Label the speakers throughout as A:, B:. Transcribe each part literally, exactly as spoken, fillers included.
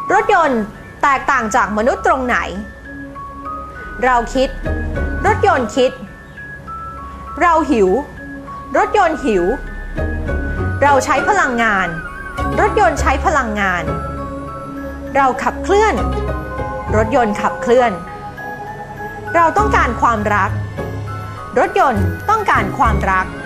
A: รถยนต์แตกต่างจากมนุษย์ตรงไหนเราคิดรถยนต์คิดเราหิวรถยนต์หิวเราใช้พลังงานรถยนต์ใช้พลังงานเราขับเคลื่อนรถยนต์ขับเคลื่อนเราต้องการความรักรถยนต์ต้องการความรัก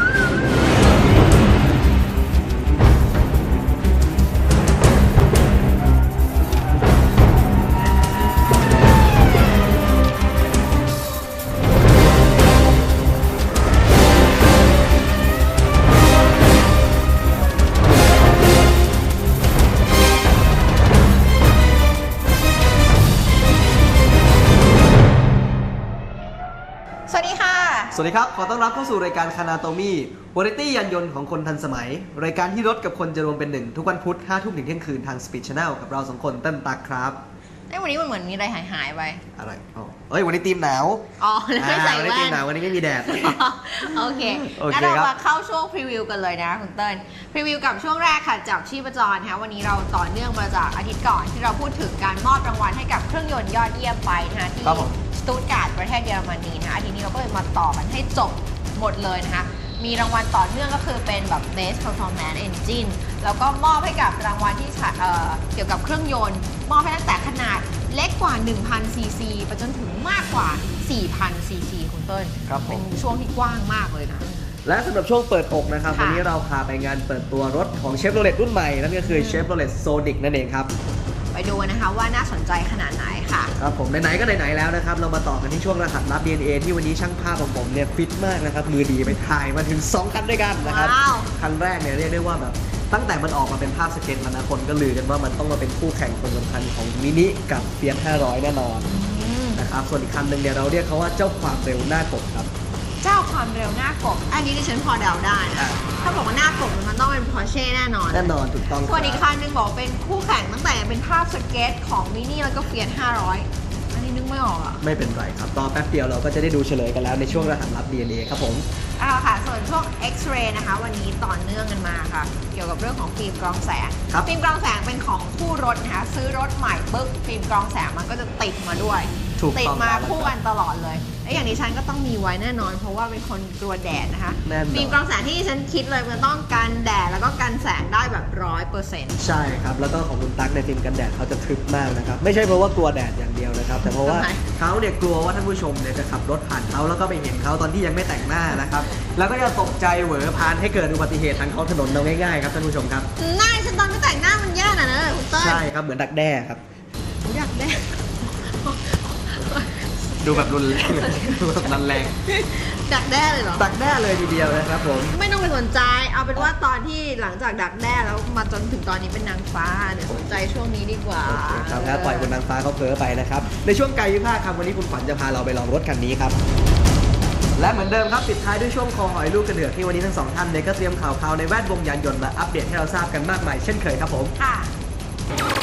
A: สวัสดีค่ะ
B: สวัสดีครับขอต้อนรับเข้าสู่รายการคานาโตมี่วาไรตี้ยานยนต์ของคนทันสมัยรายการที่รถกับคนจะรวมเป็นหนึ่งทุกวันพุธห้าทุ่มถึงเที่ยงคืนทาง Speed Channel กับเราสองคนเต้นตักครับ
A: ไอ้วันนี้มันเหมือนมีอะไรหายหายไป
B: อะไรอ๋อเอ้ยวันนี้ทีมหนาว
A: อ๋อแล้วไม่ใส่แว่นวันนี้
B: ทีมหนาววันนี้ไม่มีแดด
A: โอเคงั้นเรามาเข้าช่วงพรีวิวกันเลยนะคุณเติ้ลพรีวิวกับช่วงแรกค่ะจับชีพจรนะคะวันนี้เราต่อเนื่องมาจากอาทิตย์ก่อนที่เราพูดถึงการมอบรางวัลให้กับเครื่องยนต์ยอดเยี่ยมไปนะคะที่สตูตการ์ดประเทศเยอรมนีนะคะทีนี้เราก็เลยมาต่อกันให้จบหมดเลยนะคะมีรางวัลต่อเนื่องก็คือเป็นแบบ Best Performance Engine แล้วก็มอบให้กับรางวัลที่เอ่อเกี่ยวกับเครื่องยนต์มอบให้ตั้งแต่ขนาดเล็กกว่า หนึ่งพัน ซีซี ไปจนถึงมากกว่า สี่พัน ซีซี คุณเติ้ลเป็นช่วงที่กว้างมากเลยนะ
B: และสำหรับช่วงเปิดอกนะครับวันนี้เราพาไปงานเปิดตัวรถของ Chevrolet รุ่นใหม่นั่นก็คือ Chevrolet Sonic นั่นเองครับ
A: ไปดูนะคะว่าน่าสนใจขนาดไหนค่ะ
B: ครับผมไหนๆก็ไหนๆแล้วนะครับเรามาต่อกันที่ช่วงรหัสลับ ดี เอ็น เอ ที่วันนี้ช่างภาพของผมเนี่ยฟิตมากนะครับมือดีไปถ่ายมาถึงสองคันด้วยกันนะครับคันแรกเนี่ยเรียกได้ว่าแบบตั้งแต่มันออกมาเป็นภาพสเก็ตมานะคนก็ลือกันว่ามันต้องมาเป็นคู่แข่งคนสำคัญของมินิกับเฟียสห้าร้อยแน่นอนนะครับส่วนอีกคันหนึ่งเนี่ยเราเรียกเขาว่าเจ้าความเร็วหน้ากบครับ
A: เจ้าความเร็วหน้ากบอันนี้ดิฉันพอเดาได้ถ้าบอกว่าหน้ากบมันต้องเป็น Porsche แน่นอน
B: แน่นอนถูกต้อง
A: ส่วนอีกคันหนึ่งบอกเป็นคู่แข่งตั้งแต่เป็นภาพสเก็ตของมินิแล้วก็เฟียสห้าร้อยอันนี้นึกไม่ออกอ่ะ
B: ไม่เป็นไรครับต่อแป๊บเดียวเราก็จะได้ดูเฉลยกันแล้วในช่วงรหัสลับ ดี เอ็น เอ ครับผม
A: เอาค่ะส่วนช่วง X-ray นะคะวันนี้ต่อเนื่องกันมาค่ะเกี่ยวกับเรื่องของฟิล์มกรองแสงฟิล์มกรองแสงเป็นของคู่รถนะคะซื้อรถใหม่ปึ๊บฟิล์มกรองแสงมันก็จะติดมาด้วยติดมาคู่กันตลอดเลยและอย่างนี้ฉันก็ต้องมีไว้แน่นอนเพราะว่าเป็นคนกลัวแดดนะคะฟิล์มกรองแสงที่ฉันคิดเลยมันต้องกันแดดแล้วก็กันแสงได้แบบร้อยเปอร์เซ็นต์
B: ใช่ครับแล้วก็ของคุณตั๊กในฟิล์มกันแดดเขาจะทึบมากนะครับไม่ใช่เพราะว่ากลัวแดดอย่างเดียวนะครับแต่เพราะว่าเขาเนี่ยกลัวว่าท่านผู้ชมเนี่ยจะขับรถผ่านเขาแล้วก็ไปเห็นเขาตอนที่ยังไม่แต่งหน้านะครับแล้วก็จะตกใจเหวอพานให้เกิดอุบัติเหตุทางท้องถนนเราง่ายๆครับท่านผู้ชมครับ
A: หน้าฉันตอนไม่แต่งหน้ามันแย่น่ะนะคุณเต้ย
B: ใช่ครับเหมือนดักแด้ครับ
A: ดักแด้
B: ดูแบบรุนแรงดูแบบรุนแรง
A: ดักแด้เลยเหรอ
B: ดักแด้เลยทีเดียวนะครับผม
A: ไม่ต้องไปสนใจเอาเป็นว่าตอนที่หลังจากดักแด้แล้วมาจนถึงตอนนี้เป็นนางฟ้าเดี๋ยวสนใจช่วงนี้ดีกว่า
B: ครับแล้วปล่อยคุณนางฟ้าเขาเพ้อไปนะครับในช่วงกายวิภาคครับวันนี้คุณขวัญจะพาเราไปลองรถคันนี้ครับและเหมือนเดิมครับปิดท้ายด้วยช่วงคอหอยลูกกระเดือกที่วันนี้ทั้งสองท่านเนี่ยก็เตรียมข่าวๆในแวดวงยานยนต์มาอัปเดตให้เราทราบกันมากมายเช่นเคยครับผม
A: ค่ะ